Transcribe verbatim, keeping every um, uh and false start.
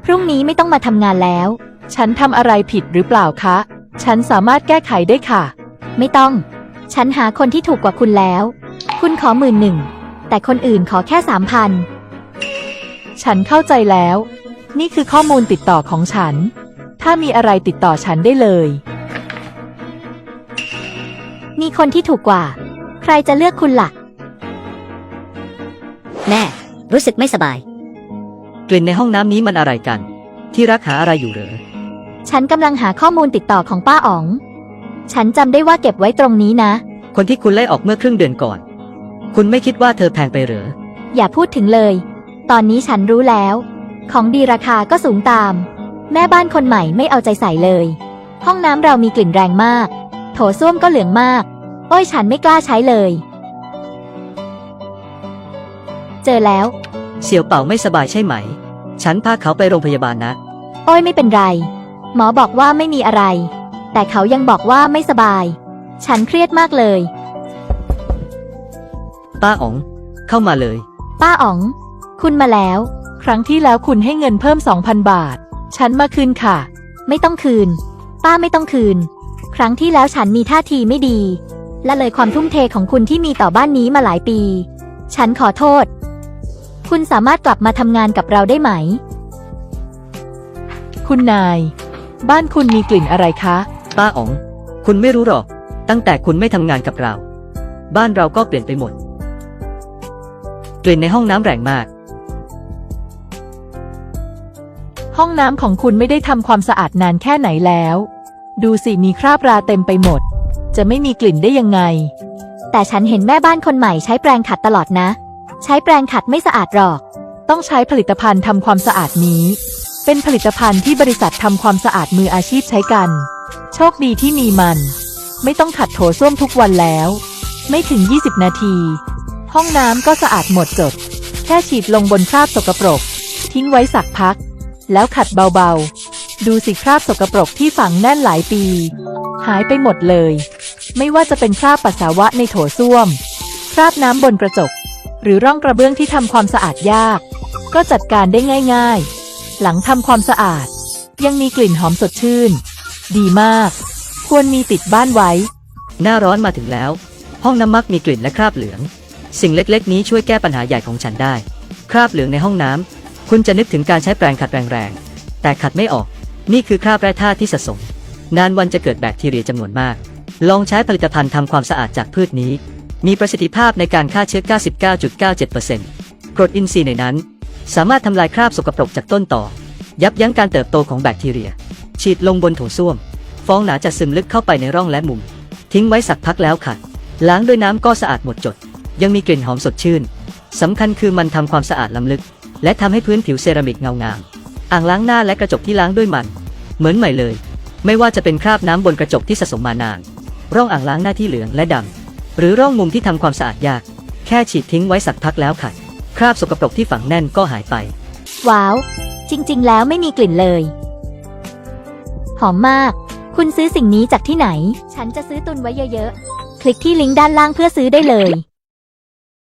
พรุ่งนี้ไม่ต้องมาทำงานแล้วฉันทำอะไรผิดหรือเปล่าคะฉันสามารถแก้ไขได้ค่ะไม่ต้องฉันหาคนที่ถูกกว่าคุณแล้วคุณขอหมื่นหนึ่งแต่คนอื่นขอแค่สามพันฉันเข้าใจแล้วนี่คือข้อมูลติดต่อของฉันถ้ามีอะไรติดต่อฉันได้เลยมีคนที่ถูกกว่าใครจะเลือกคุณล่ะแม่รู้สึกไม่สบายกลิ่นในห้องน้ำนี้มันอะไรกันที่รักหาอะไรอยู่เหรอฉันกำลังหาข้อมูลติดต่อของป้าอ๋องฉันจำได้ว่าเก็บไว้ตรงนี้นะคนที่คุณไล่ออกเมื่อครึ่งเดือนก่อนคุณไม่คิดว่าเธอแพงไปเหรออย่าพูดถึงเลยตอนนี้ฉันรู้แล้วของดีราคาก็สูงตามแม่บ้านคนใหม่ไม่เอาใจใส่เลยห้องน้ำเรามีกลิ่นแรงมากโถส้วมก็เหลืองมากโอ้ยฉันไม่กล้าใช้เลยเจอแล้วเสี่ยวเป่าไม่สบายใช่ไหมฉันพาเขาไปโรงพยาบาลนะโอ้ยไม่เป็นไรหมอบอกว่าไม่มีอะไรแต่เขายังบอกว่าไม่สบายฉันเครียดมากเลยป้าอ๋องเข้ามาเลยป้าอ๋องคุณมาแล้วครั้งที่แล้วคุณให้เงินเพิ่ม สองพัน บาทฉันมาคืนค่ะไม่ต้องคืนป้าไม่ต้องคืนครั้งที่แล้วฉันมีท่าทีไม่ดีและเลยความทุ่มเทของคุณที่มีต่อบ้านนี้มาหลายปีฉันขอโทษคุณสามารถกลับมาทำงานกับเราได้ไหมคุณนายบ้านคุณมีกลิ่นอะไรคะป้าอ๋องคุณไม่รู้หรอกตั้งแต่คุณไม่ทำงานกับเราบ้านเราก็เปลี่ยนไปหมดกลิ่นในห้องน้ำแรงมากห้องน้ำของคุณไม่ได้ทำความสะอาดนานแค่ไหนแล้วดูสิมีคราบราเต็มไปหมดจะไม่มีกลิ่นได้ยังไงแต่ฉันเห็นแม่บ้านคนใหม่ใช้แปรงขัดตลอดนะใช้แปรงขัดไม่สะอาดหรอกต้องใช้ผลิตภัณฑ์ทำความสะอาดนี้เป็นผลิตภัณฑ์ที่บริษัททำความสะอาดมืออาชีพใช้กันโชคดีที่มีมันไม่ต้องขัดโถส้วมทุกวันแล้วไม่ถึงยี่สิบนาทีห้องน้ำก็สะอาดหมดจดแค่ฉีดลงบนคราบสกปรกทิ้งไว้สักพักแล้วขัดเบาๆดูสิคราบสกปรกที่ฝังแน่นหลายปีหายไปหมดเลยไม่ว่าจะเป็นคราบปัสสาวะในโถส้วมคราบน้ำบนกระจกหรือร่องกระเบื้องที่ทำความสะอาดยากก็จัดการได้ง่ายๆหลังทำความสะอาดยังมีกลิ่นหอมสดชื่นดีมากควรมีติดบ้านไว้หน้าร้อนมาถึงแล้วห้องน้ำมักมีกลิ่นและคราบเหลืองสิ่งเล็กๆนี้ช่วยแก้ปัญหาใหญ่ของฉันได้คราบเหลืองในห้องน้ำคุณจะนึกถึงการใช้แปรงขัดแรงๆแต่ขัดไม่ออกนี่คือคราบแร่ธาตุที่สะสมนานวันจะเกิดแบคทีเรียจำนวนมากลองใช้ผลิตภัณฑ์ทำความสะอาดจากพืชนี้มีประสิทธิภาพในการฆ่าเชื้อ เก้าสิบเก้าจุดเก้าเจ็ดเปอร์เซ็นต์ กรดอินทรีย์ในนั้นสามารถทำลายคราบสกปรกจากต้นต่อยับยั้งการเติบโตของแบคทีเรียฉีดลงบนโถส้วมฟองหนาจะซึมลึกเข้าไปในร่องและมุมทิ้งไว้สักพักแล้วขัดล้างด้วยน้ำก็สะอาดหมดจดยังมีกลิ่นหอมสดชื่นสำคัญคือมันทำความสะอาดล้ำลึกและทำให้พื้นผิวเซรามิกเงางามอ่างล้างหน้าและกระจกที่ล้างด้วยมันเหมือนใหม่เลยไม่ว่าจะเป็นคราบน้ำบนกระจกที่สะสมมานานร่องอ่างล้างหน้าที่เหลืองและดำหรือร่องมุมที่ทำความสะอาดยากแค่ฉีดทิ้งไว้สักพักแล้วขัดคราบสกปรกที่ฝังแน่นก็หายไปว้าวจริงๆแล้วไม่มีกลิ่นเลยหอมมากคุณซื้อสิ่งนี้จากที่ไหนฉันจะซื้อตุนไว้เยอะๆคลิกที่ลิงก์ด้านล่างเพื่อซื้อได้เลย